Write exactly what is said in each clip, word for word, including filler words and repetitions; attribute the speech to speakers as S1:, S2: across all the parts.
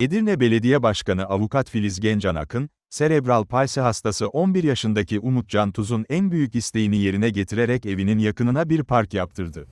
S1: Edirne Belediye Başkanı Avukat Filiz Gencan Akın, serebral palsi hastası on bir yaşındaki Umutcan Tuz'un en büyük isteğini yerine getirerek evinin yakınına bir park yaptırdı.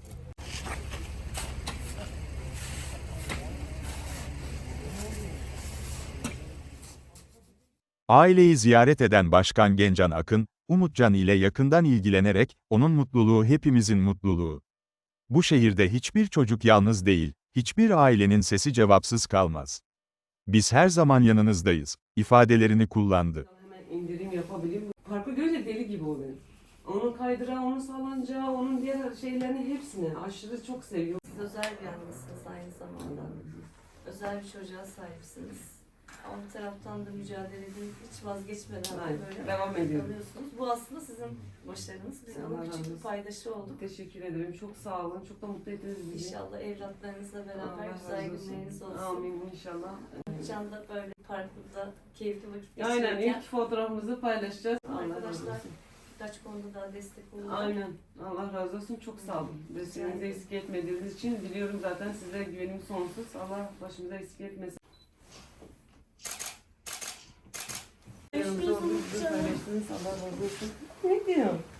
S1: Aileyi ziyaret eden Başkan Gencan Akın, Umutcan ile yakından ilgilenerek, onun mutluluğu hepimizin mutluluğu. Bu şehirde hiçbir çocuk yalnız değil, hiçbir ailenin sesi cevapsız kalmaz. Biz her zaman yanınızdayız, ifadelerini kullandı.
S2: Hemen indirim yapabileyim. Parkı görünce deli gibi oluyor. Onun kaydırağı, onun salıncağı, onun diğer şeylerini hepsini aşırı çok seviyor.
S3: Siz özel bir annесiniz aynı zamanda. Özel bir çocuğa sahipsiniz. Ama bir taraftan da mücadele edip hiç vazgeçmeden
S2: Aynen,
S3: böyle
S2: devam ediyorum.
S3: kalıyorsunuz. Bu aslında sizin başarınız. Biz
S2: Allah
S3: bunun
S2: razı
S3: küçük bir
S2: olsun.
S3: paydaşı olduk.
S2: Teşekkür ederim. Çok sağ olun. Çok da mutlu ettiniz bizi.
S3: İnşallah evlatlarınızla beraber
S2: Allah
S3: güzel
S2: razı olsun.
S3: günleriniz olsun.
S2: Amin inşallah.
S3: Can da böyle parkta keyifli vakit
S2: Aynen
S3: geçirirken
S2: ilk fotoğrafımızı paylaşacağız. Allah razı
S3: arkadaşlar
S2: olsun.
S3: birkaç konuda daha destek olun.
S2: Aynen. Allah razı olsun. Çok sağ olun. Desteğinizi eksik etmediğiniz için biliyorum zaten size güvenim sonsuz. Allah başımıza eksik etmesin. Yanımızda olduğunuz için paylaştınız. Allah razı olsun. Ne diyor?